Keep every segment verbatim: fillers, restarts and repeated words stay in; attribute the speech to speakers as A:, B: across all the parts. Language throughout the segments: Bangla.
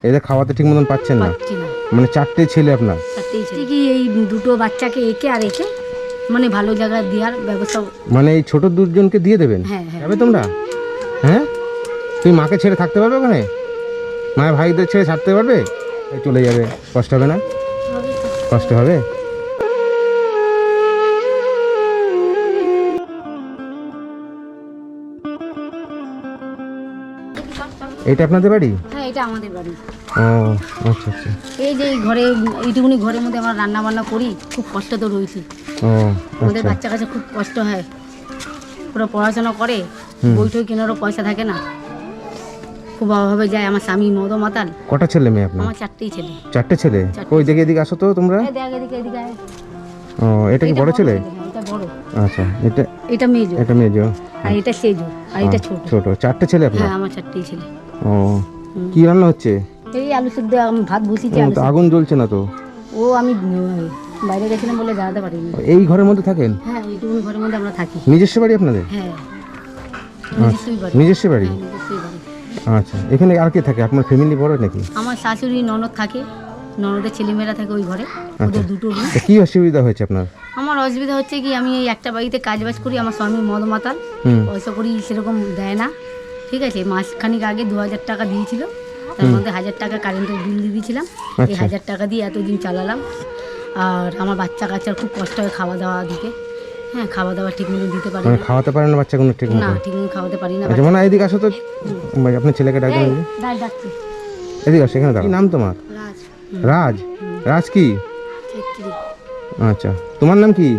A: এদের খাওয়াতে ঠিক মতন পাচ্ছেন না?
B: পাচ্ছি না।
A: মানে চারটে ছেলে আপনার?
B: চারটেই ছেলে। কি এই দুটো বাচ্চাকে একে আর একে মানে ভালো জায়গায় দেওয়ার ব্যবস্থা।
A: মানে এই ছোট দুজনকে দিয়ে দেবেন?
B: হ্যাঁ হ্যাঁ।
A: যাবে তোমরা? হ্যাঁ, তুমি মাকে ছেড়ে থাকতে পারবে ওখানে? মায়ের ভাইদের ছেড়ে ছাড়তে পারবে? এই চলে যাবে, কষ্ট হবে না? কষ্ট হবে। এইটা আপনাদের বাড়ি?
B: হ্যাঁ, এটা আমাদের বাড়ি।
A: ও আচ্ছা আচ্ছা।
B: এই যে এই ঘরে এইটুকুনি ঘরের মধ্যে আমরা রান্না বান্না করি, খুব কষ্ট তো রয়েছি।
A: ও
B: আমাদের
A: আচ্ছা।
B: বাচ্চা কাছে খুব কষ্ট হয়, পুরো পড়াশোনা করে, বই টই কেনারও পয়সা থাকে না, খুব অভাবে যায়। আমার স্বামী মদ মাতাল।
A: কটা ছেলে মেয়ে আপনার?
B: আমার চারটেই ছেলে।
A: চারটে ছেলে?
B: চারটে।
A: ওই দিকে এদিকে আসো তো তোমরা।
B: এই দেখ এদিকে এদিকে আয়।
A: ও এটা কি
B: এটা
A: বড় ছেলে?
B: হ্যাঁ, এটা বড়।
A: আচ্ছা, এটা
B: এটা মেজো,
A: এটা মেজো,
B: আর এটা সেজো, আর এটা ছোট।
A: ছোট। চারটে ছেলে আপনার?
B: হ্যাঁ, আমার চারটেই ছেলে।
A: ও কি রান্না হচ্ছে?
B: এই আলু সিদ্ধ, আমি ভাত বসিয়েছি।
A: ও,
B: আলু
A: তো
B: সিদ্ধ।
A: আগুন জ্বলছে না তো?
B: ও আমি উম, বাইরে গেছিলাম বলে দাঁড়াতে পারিনি।
A: এই ঘরের মধ্যে থাকেন?
B: হ্যাঁ, এইটুকুনি ঘরের মধ্যে আমরা থাকি।
A: নিজস্ব বাড়ি আপনাদের?
B: হ্যাঁ, নিজস্বই বাড়ি।
A: নিজস্ব বাড়ি?
B: হ্যাঁ, নিজস্বই বাড়ি।
A: আচ্ছা, এখানে আর কে থাকে? আপনার ফ্যামিলি বড় নাকি?
B: আমার শাশুড়ি ননদ থাকে, ননদের ছেলেমেয়েরা থাকে ওই ঘরে, ওদের দুটো রুম।
A: তা কি অসুবিধা হয়েছে আপনার?
B: আমার অসুবিধা হচ্ছে কি, আমি এই একটা বাড়িতে কাজ বাজ করি, আমার স্বামী মদ মাতাল,
A: হুম
B: পয়সা করি সেরকম দেয় না। ঠিক আছে, মাসখানিক আগে দু হাজার টাকা দিয়েছিল, তার মধ্যে হাজার টাকা কারেন্টের বিল দিয়ে দিয়েছিলাম। এই
A: আচ্ছা।
B: হাজার টাকা দিয়ে এতদিন চালালাম। আর আমার বাচ্চা কাচ্চার খুব কষ্ট হয় খাওয়া দাওয়া দিকে। হ্যাঁ, খাওয়া দাওয়া ঠিক মতো দিতে পারি
A: মানে
B: না।
A: খাওয়াতে পারেন না বাচ্চাগুলো ঠিক
B: না,
A: মতো?
B: ঠিক মতো খাওয়াতে পারি না।
A: আচ্ছা, মানে এইদিকে আসো তো, ভাই, আপনার ছেলেকে ডাকবেন।
B: এই, ডাক ডাকছি।
A: এদিকে আসো, এখানে দাঁড়াও। কি নাম তোমার?
B: রাজ।
A: রাজ? রাজ কি?
B: ছেত্রী।
A: আচ্ছা, তোমার নাম কি?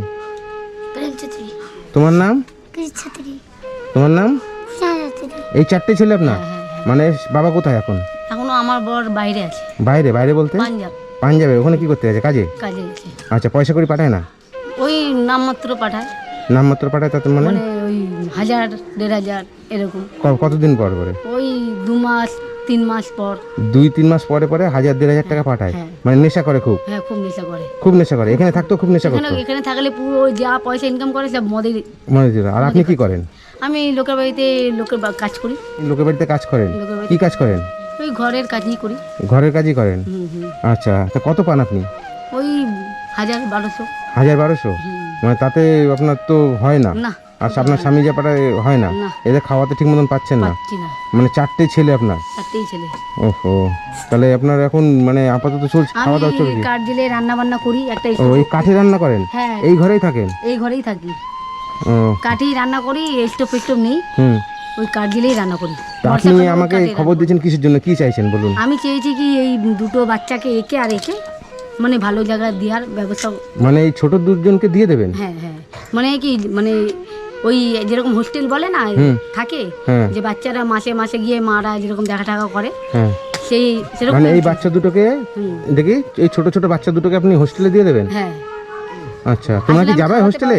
B: প্রেম ছেত্রী।
A: তোমার নাম?
B: ছেত্রী।
A: তোমার নাম?
B: ছেত্রী।
A: এই চারটে ছেলে আপনার?
B: হ্যাঁ, হ্যাঁ,
A: মানে বাবা কোথায় এখন?
B: এখনো আমার বর বাইরে আছে,
A: বাইরে? বাইরে বলতে?
B: পাঞ্জাব
A: পাঞ্জাবে? ওখানে কি করতে আছে? কাজে?
B: কাজে গেছে।
A: আচ্ছা, পয়সা করে পাঠায় না?
B: ওই নামমাত্র পাঠায়,
A: নামমাত্র পাঠায়, তাতে মানে
B: মানে ওই হাজার দেড় হাজার এরকম।
A: ক- কতদিন পর পরে?
B: ওই দু মাস তিন মাস পর।
A: দুই তিন মাস পরে পরে হাজার দেড় হাজার টাকা পাঠায়?
B: হ্যাঁ।
A: মানে নেশা করে খুব?
B: হ্যাঁ, খুব নেশা করে।
A: খুব নেশা করে? এখানে থাকতো খুব নেশা
B: এখানে
A: করতো?
B: এখানে থাকলে পুরো ওই যা পয়সা ইনকাম করে সব মদের।
A: মানে যেটা। আর আপনি কি করেন?
B: আমি লোকের বাড়িতে লোকের বা- কাজ করি।
A: লোকের বাড়িতে কাজ করেন?
B: লোকের বাড়িতে
A: কি কাজ করেন?
B: ওই ঘরের কাজই করি।
A: ঘরের কাজই করেন?
B: হুম হুম।
A: আচ্ছা, তা কত পান আপনি?
B: ওই হাজার বারোশো।
A: হাজার বারোশো?
B: হুম।
A: মানে তাতে আপনার তো হয় না।
B: না,
A: আর আপনার স্বামী যা পাঠায় হয় না?
B: না।
A: এদের খাওয়াতে ঠিক মতন পাচ্ছেন না?
B: পাচ্ছি না।
A: মানে চারটে ছেলে আপনার?
B: চারটেই ছেলে।
A: ওহো, তাহলে আপনার এখন মানে আপাতত চলছে খাওয়া দাওয়া
B: আমি
A: চলছে?
B: কাঠ জেলে রান্না বান্না করি একটা।
A: ও, এই কাঠে রান্না করেন?
B: হ্যাঁ,
A: এই ঘরেই থাকেন?
B: এই ঘরেই থাকি,
A: ও
B: কাঠেই রান্না করি, স্টোভ ফেস্টোভ নেই,
A: হুম।
B: ওই কাঠ জেলেই রান্না করি।
A: তা আপনি
B: বর্ষাকালে
A: আমাকে
B: কাঠেই
A: খবর
B: রান্না
A: দিয়েছেন কিসের জন্য? কি চাইছেন বলুন?
B: করি। আমি চেয়েছি কি এই দুটো বাচ্চাকে একে আর একে মানে ভালো জায়গায় দেওয়ার ব্যবস্থা।
A: মানে এই ছোট দুজনকে দিয়ে দেবেন?
B: হ্যাঁ হ্যাঁ, মানে কি, মানে ওই যেরকম হোস্টেল বলে না
A: হুম।
B: থাকে,
A: হ্যাঁ
B: যে বাচ্চারা মাসে মাসে গিয়ে মারা যেরকম দেখা টাকা করে,
A: হ্যাঁ।
B: সেই সেরকম।
A: মানে এই বাচ্চা দুটোকে
B: হুম।
A: দেখি, এই ছোট ছোট বাচ্চা দুটোকে আপনি হোস্টেলে দিয়ে দেবেন?
B: হ্যাঁ।
A: আচ্ছা, তোমরা কি
B: আসলে আমি
A: যাবে
B: খাওয়াতে
A: হোস্টেলে?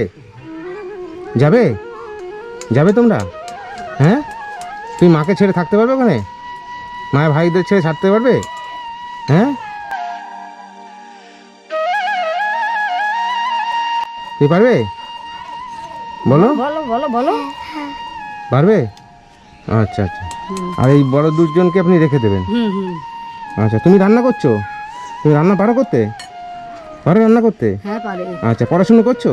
A: যাবে? যাবে তোমরা? হ্যাঁ, তুমি মাকে ছেড়ে থাকতে পারবে ওখানে? মায়ের ভাইদের ছেড়ে ছাড়তে পারবে? হ্যাঁ, তুই পারবে? বলো।
B: বলো বলো বলো।
A: পারবে? আচ্ছা আচ্ছা। আর এই বড় দুজনকে আপনি রেখে দেবেন?
B: হুম হুম।
A: আচ্ছা, তুমি রান্না করছো? তুমি রান্না পারো করতে? পারো রান্না করতে?
B: হ্যাঁ, পারে।
A: আচ্ছা, পড়াশুনো করছো?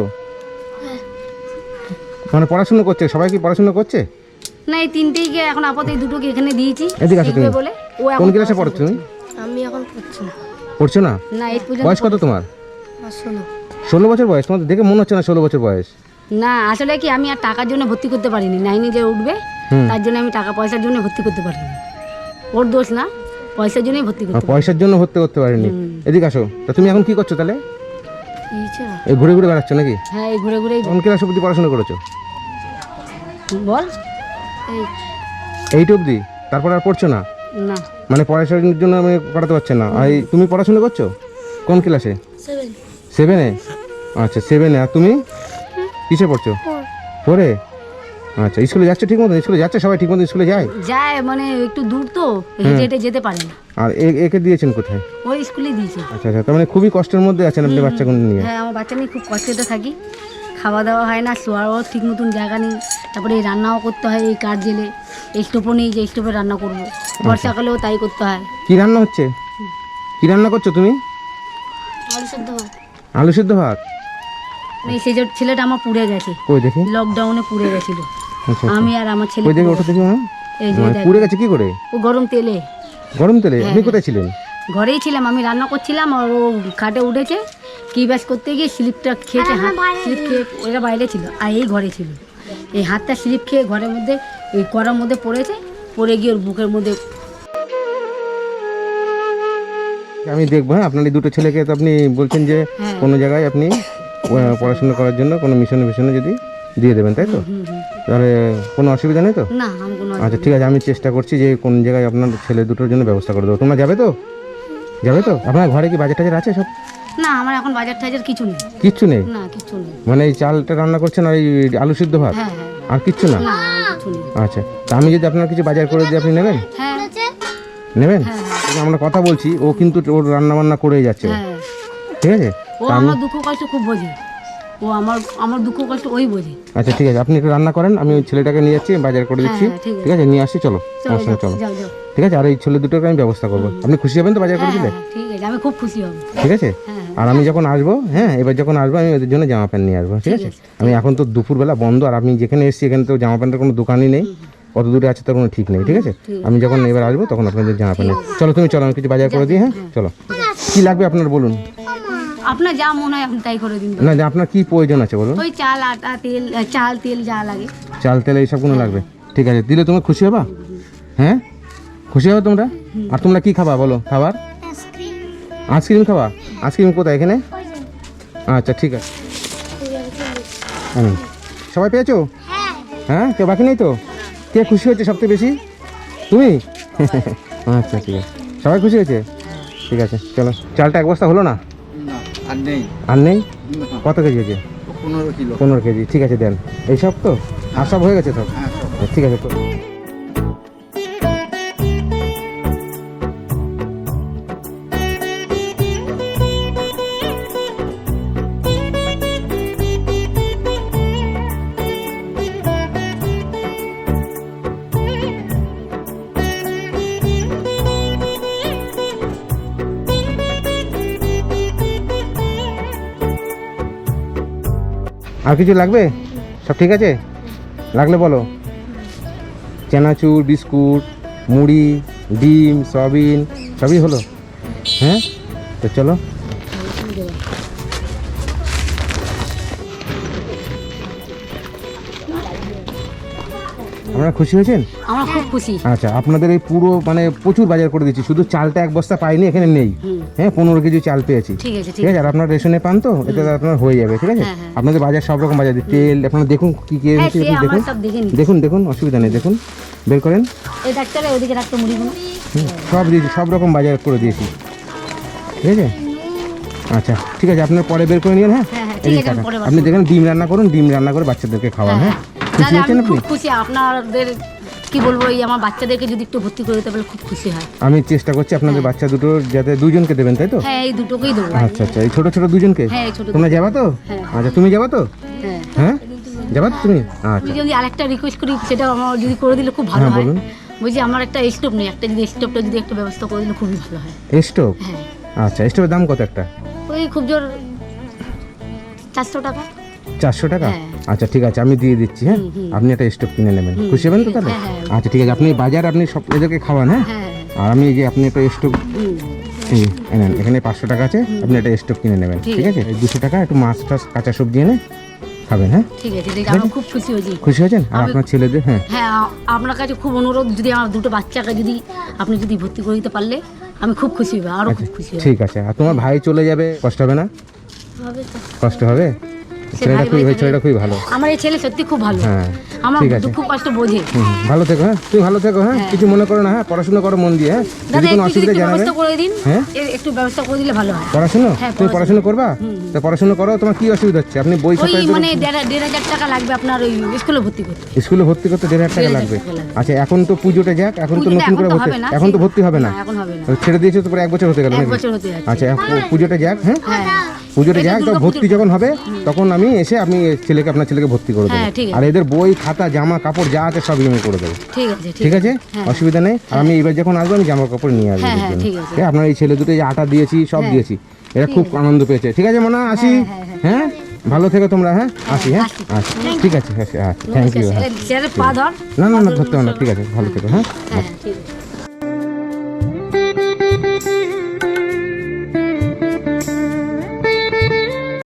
A: মানে পড়াশুনো করছে? সবাই কি পড়াশুনো করছে?
B: না, এই তিনটেই কে এখন আপাতত এই দুটোকে এখানে দিয়েছি
A: এদিকে আসো
B: শিখবে
A: তুমি।
B: বলে। ও এখন
A: কোন ক্লাসে পড়ছো তুমি?
B: আমি এখন পড়ছি না।
A: পড়ছো না?
B: না, এই পর্যন্ত
A: বয়স কত তোমার?
B: শোনো।
A: ষোলো বছর বয়স? তোমার দেখে মনে হচ্ছে না ষোলো বছর বয়স।
B: না, আসলে কি, আমি আর টাকার জন্য ভর্তি করতে পারিনি। নাইনে যে উঠবে
A: হুম।
B: তার জন্য আমি টাকা পয়সার জন্য ভর্তি করতে পারিনি। ওর দোষ না, পয়সার জন্যই ভর্তি
A: আর
B: করতে পারি।
A: পয়সার জন্য ভর্তি করতে পারিনি?
B: হুম।
A: এদিকে আসো। তা তুমি এখন কি করছো তাহলে?
B: ইচ্ছে না।
A: এই ঘুরে ঘুরে বেড়াচ্ছ নাকি?
B: হ্যাঁ, এই ঘুরে ঘুরেই
A: কোন ক্লাস অবধি পড়াশোনা করেছো?
B: বল। এই
A: এইট অবধি? তারপর আর পড়ছো না?
B: না,
A: মানে পড়াশোনার জন্য আমি পড়াতে পারছেন না? আর এই তুমি পড়াশোনা করছো কোন ক্লাসে?
B: সেভেন।
A: সেভেনে? আচ্ছা, সেভেনে। আর তুমি কিসে পড়ছো? ফোরে? আচ্ছা, স্কুলে যাচ্ছ ঠিক মতো? স্কুলে যাচ্ছে সবাই ঠিক মতো? স্কুলে যায়?
B: যায়, মানে একটু দূর তো, হেঁটে হেঁটে যেতে পারে না।
A: আর এ- একে দিয়েছেন কোথায়?
B: ওই স্কুলে দিয়েছে।
A: আচ্ছা আচ্ছা, তার মানে খুবই কষ্টের মধ্যে আছেন আপনি বাচ্চাগুলো নিয়ে?
B: হ্যাঁ, আমার বাচ্চা নিয়ে খুব কষ্টে থাকি। খাওয়া দাওয়া হয় না, শোয়ারও ঠিক মতন জায়গা নেই, তারপরে এই রান্নাও করতে হয় এই কাঠ জেলে, এই স্টোভও নেই যে স্টোভে রান্না করবো, বর্ষাকালেও তাই করতে হয়।
A: কি রান্না হচ্ছে? কি রান্না করছো তুমি?
B: আলু সেদ্ধ ভাত।
A: আলু সিদ্ধ ভাত?
B: এই সেই যে ছেলেটা আমার পুড়ে গেছে,
A: কই দেখি।
B: লকডাউনে পুড়ে গেছিল,
A: আচ্ছা
B: আমি আর আমার ছেলে
A: কই দেখি,
B: পুড়ে
A: ওটা দেখি।
B: গেছে। এই যে
A: মানে
B: দেখ,
A: পুড়ে গেছে কি করে?
B: ও গরম তেলে।
A: গরম তেলে? আপনি কোথায় ছিলেন?
B: ঘরেই ছিলাম, আমি রান্না করছিলাম আর ও খাটে উঠেছে, কি ব্যাস করতে গিয়ে স্লিপটা খেয়েছে, হাত স্লিপ খেয়ে ওরা বাইরে ছিল আর এই ঘরে ছিল, এই হাতটা স্লিপ খেয়ে ঘরের মধ্যে এই কড়ার মধ্যে পড়েছে, পড়ে গিয়ে ওর বুকের মধ্যে।
A: আমি দেখবো। হ্যাঁ, আপনার এই দুটো ছেলেকে তো আপনি বলছেন যে
B: হ্যাঁ।
A: কোনো জায়গায় আপনি আহ, পড়াশোনা করার জন্য কোনো মিশনে মিশনে যদি দিয়ে দেবেন, তাই তো?
B: হুম হুম।
A: তাহলে কোনো অসুবিধা নেই তো?
B: না আমি কোনো
A: আচ্ছা ঠিক আছে, আমি চেষ্টা করছি যে কোন জায়গায় আপনার ছেলে দুটোর জন্য ব্যবস্থা করে দেবো। তোমরা যাবে তো? যাবে তো? আপনার ঘরে কি বাজার টাজার আছে সব?
B: না, আমার এখন বাজার টাজার কিছু নেই।
A: কিচ্ছু নেই?
B: না কিছু নেই।
A: মানে এই চালটা রান্না করছেন আর এই আলু সিদ্ধ ভাত,
B: হ্যাঁ হ্যাঁ।
A: আর কিচ্ছু না?
B: না কিছু নেই।
A: আচ্ছা, তা আমি যদি আপনার কিছু বাজার করে দিই আপনি নেবেন?
B: হ্যাঁ
A: নেবেন?
B: হ্যাঁ
A: এই যে আমরা কথা বলছি, ও কিন্তু ওর রান্না বান্না করেই যাচ্ছে ও।
B: হ্যাঁ।
A: ঠিক আছে?
B: ও আমার দুঃখ কষ্ট খুব বোঝে, ও আমার আমার দুঃখ কষ্ট ওই বোঝে।
A: আচ্ছা ঠিক আছে, আপনি একটু রান্না করেন, আমি ওই ছেলেটাকে নিয়ে যাচ্ছি, বাজার করে দিচ্ছি।
B: হ্যাঁ, ঠিক আছে।
A: ঠিক আছে, নিয়ে আসছি, চলো
B: চলো
A: আমার সঙ্গে
B: যাও
A: চলো।
B: যাও যাও।
A: ঠিক আছে, আর এই ছেলে দুটোকে আমি ব্যবস্থা করবো। আপনি খুশি হবেন তো বাজার করে
B: হ্যাঁ
A: দিলে?
B: হ্যাঁ, ঠিক আছে, আমি খুব খুশি হব।
A: ঠিক আছে,
B: হ্যাঁ
A: আর আমি যখন আসবো, হ্যাঁ এবার যখন আসবো আমি ওদের জন্য জামা প্যান্ট নিয়ে আসবো। ঠিক আছে, আমি এখন তো দুপুরবেলা বন্ধ, আর আমি যেখানে এসেছি এখানে তো জামা প্যান্টের কোনো দোকানই নেই, কত দূরে আছে তার কোনো ঠিক নেই। ঠিক আছে, আমি যখন এবার আসবো তখন আপনাদের জামা প্যান্ট নিয়ে- চলো তুমি চলো, আমি কিছু বাজার করে দিই। হ্যাঁ চলো, কি লাগবে আপনার বলুন?
B: আপনার যা মনে হয় আপনি তাই করে দিন।
A: না যে আপনার কি প্রয়োজন আছে বলুন?
B: ওই চাল আটা তেল, আহ, চাল তেল যা লাগে।
A: চাল তেল এইসবগুলো লাগবে? ঠিক আছে, দিলে তুমি খুশি হবা? হ্যাঁ খুশি হবে তোমরা? আর তোমরা কি খাবা বলো? খাবার আইসক্রিম খাবা? আইসক্রিম কোথায়? এখানে? আচ্ছা ঠিক আছে, হুম। সবাই পেয়েছো? হ্যাঁ, কেউ বাকি নেই তো? কে খুশি হয়েছে সবথেকে বেশি? তুমি? আচ্ছা ঠিক আছে, সবাই খুশি হয়েছে? ঠিক আছে চলো। চালটা এক বস্তা হলো না?
C: আর নেই।
A: আর নেই? কত কেজি হয়েছে?
C: পনেরো কিলো।
A: পনেরো কেজি। ঠিক আছে দেন। এইসব তো আর সব হয়ে গেছে তো?
C: হ্যাঁ সব।
A: ঠিক আছে তো। আর কিছু লাগবে? সব ঠিক আছে? লাগলে বলো। চানাচুর, বিস্কুট, মুড়ি, ডিম, সয়াবিন সবই হলো? হ্যাঁ তো চলো। আপনারা খুশি হয়েছেন?
B: আমরা খুব খুশি।
A: আচ্ছা, আপনাদের এই পুরো মানে প্রচুর বাজার করে দিচ্ছি, শুধু চালটা এক বস্তা পাইনি, এখানে নেই।
B: হুম।
A: হ্যাঁ, পনেরো কেজি চাল পেয়েছি।
B: ঠিক আছে ঠিক
A: ঠিক আছে, আর আপনার রেশনে পান তো, এটা আপনার হয়ে যাবে। ঠিক আছে,
B: হ্যাঁ, হ্যাঁ।
A: আপনাদের বাজার সব রকম বাজার দিই, তেল আপনারা দেখুন কি কি
B: হ্যাঁ,
A: এনেছি,
B: সে
A: আপনি
B: আমার
A: দেখুন
B: সব দেখে নিই।
A: দেখুন দেখুন, অসুবিধা নেই, দেখুন বের করেন।
B: এই ডাক্তারে ওদিকে রাখতো মুড়িগুলো।
A: হুম, সব দিয়েছি, সব রকম বাজার করে দিয়েছি। ঠিক আছে, আচ্ছা ঠিক আছে, আপনার পরে বের করে নিন। হ্যাঁ
B: হ্যাঁ, হ্যাঁ,
A: এই
B: ঠিক
A: যে
B: আছে, আমি
A: টাকা।
B: পরে বার
A: আপনি দেখেন ডিম রান্না করুন, ডিম রান্না করে বাচ্চাদেরকে খাওয়ান। হ্যাঁ খুশি
B: দাদা
A: হয়েছেন
B: আমি
A: আপনি?
B: খুব খুশি, আপনাদের কি বলবো, এই আমার বাচ্চাদেরকে যদি একটু ভর্তি করে দিতে পারলে খুব খুশি হয়।
A: আমি চেষ্টা করছি আপনাদের বাচ্চা দুটো যাতে দুজনকে দেবেন, তাই তো?
B: হ্যাঁ এই দুটোকেই দেবো।
A: আচ্ছা আচ্ছা, এই ছোট ছোট দুজনকে?
B: হ্যাঁ এই ছোট।
A: তোমরা যাবা তো?
B: হ্যাঁ।
A: আচ্ছা, তুমি যাবা তো?
B: হ্যাঁ
A: হ্যাঁ যাবা তো তুমি?
B: আমি
A: আচ্ছা
B: যদি আরেকটা রিকোয়েস্ট করি, সেটা আমার যদি করে দিলে খুব ভালো
A: হ্যাঁ,
B: হয়।
A: বলুন।
B: বলছি আমার একটা স্টোভ নেই, একটা যদি স্টোভটা যদি একটা ব্যবস্থা করে দিলে খুবই ভালো হয়।
A: স্টোভ?
B: হ্যাঁ
A: আচ্ছা, স্টোভের দাম কত একটা?
B: ওই খুব জোর চারশো টাকা।
A: চারশো টাকা?
B: হ্যাঁ।
A: আচ্ছা ঠিক আছে, আমি দিয়ে দিচ্ছি। হ্যাঁ,
B: হুম, হুম।
A: আপনি একটা স্টোভ কিনে নেবেন,
B: হুম,
A: খুশি হবেন তো তাহলে?
B: হ্যাঁ, হ্যাঁ।
A: আচ্ছা ঠিক আছে, আপনি বাজার আপনি সব এদেরকে খাওয়ান। হ্যাঁ,
B: হ্যাঁ
A: আর আমি এই যে আপনি একটা স্টোভ
B: হুম,
A: এই এনেন, এখানে পাঁচশো টাকা আছে, আপনি একটা স্টোভ কিনে নেবেন।
B: ঠিক
A: ঠিক আছে, এই দুশো টাকা একটু মাছ টাছ কাঁচা সবজি এনে খাবেন। হ্যাঁ
B: ঠিক আছে ঠিক আছে, আমি খুব খুশি হয়েছি।
A: খুশি হয়েছেন? আর আপনার ছেলেদের? হ্যাঁ
B: হ্যাঁ আ- আপনার কাছে খুব অনুরোধ, যদি আমার দুটো বাচ্চাকে যদি আপনি যদি ভর্তি করে দিতে পারলে আমি খুব খুশি হবো, আরও খুব খুশি হবো।
A: ঠিক আছে। আর তোমার ভাই চলে যাবে, কষ্ট হবে না?
B: হবে তো।
A: কষ্ট হবে?
B: সে
A: ছেলেটা
B: ভাই
A: খুবই
B: ভাই
A: ছেলেটা খুবই ভালো।
B: আমার এই ছেলে সত্যি খুব ভালো,
A: হ্যাঁ
B: আমার
A: ঠিক আছে।
B: দুঃখ কষ্ট বোঝে।
A: হুম, ভালো থেকো। হ্যাঁ তুমি ভালো থেকো। হ্যাঁ কিছু মনে করো না। হ্যাঁ পড়াশোনা করো মন দিয়ে। হ্যাঁ যদি
B: দাদা
A: কোনো
B: একটু যদি
A: অসুবিধা
B: একটু
A: জানাবে।
B: ব্যবস্থা করে দিন,
A: হ্যাঁ
B: এর একটু ব্যবস্থা করে দিলে ভালো হয়।
A: পড়াশোনা?
B: হ্যাঁ,
A: তুমি পড়াশোনা করবা?
B: হুম,
A: তো পড়াশোনা করো। তোমার কি অসুবিধা হচ্ছে? আপনি বই
B: ওই
A: খাতা
B: মানে দেড় দেড় হাজার টাকা লাগবে আপনার ওই স্কুলে ভর্তি করতে।
A: স্কুলে ভর্তি করতে দেড় হাজার টাকা
B: দেড় হাজার
A: লাগবে।
B: টাকা লাগবে।
A: আচ্ছা, এখন তো পুজোটা যাক, এখন তো
B: পুজোটা
A: নতুন করে
B: এখন তো
A: ভর্তি,
B: হবে না,
A: এখন তো
B: সেই-
A: ভর্তি হবে না।
B: না, এখন হবে না।
A: ছেড়ে দিয়েছো তো প্রায় এক বছর হতে গেল
B: এক
A: নাকি?
B: বছর হতে যাচ্ছে।
A: আচ্ছা, এখন পুজোটা যাক। হ্যাঁ
B: হ্যাঁ
A: পুজোটা
B: এটা
A: যাক তো
B: দুর্গাপুজোর
A: ভর্তি যখন হবে তখন আমি এসে আপনি ছেলেকে আপনার ছেলেকে ভর্তি করে দেবো
B: হ্যাঁ, ঠিক আছে।
A: আর এদের বই খাতা জামা কাপড় যা আছে সবই আমি করে দেবো
B: ঠিক আছে
A: ঠিক আছে
B: হ্যাঁ।
A: অসুবিধা নেই আর আমি এবার যখন আসবো আমি জামা কাপড় নিয়ে আসবো
B: হ্যাঁ,
A: এদের
B: হ্যাঁ,
A: জন্য।
B: ঠিক আছে।
A: ঠিক আছে, আপনার এই ছেলে দুটো এই আটা দিয়েছি সব
B: হ্যাঁ।
A: দিয়েছি এরা খুব আনন্দ পেয়েছে ঠিক আছে মনে আসি হ্যাঁ ভালো থেকো তোমরা হ্যাঁ আসি হ্যাঁ
B: আসি।
A: আচ্ছা ঠিক আছে হ্যাঁ থ্যাংক ইউ হ্যাঁ
B: স্যারের পা ধর
A: না না না ধরতে হবে না ঠিক আছে ভালো থেকো হ্যাঁ
B: হ্যাঁ ঠিক আছে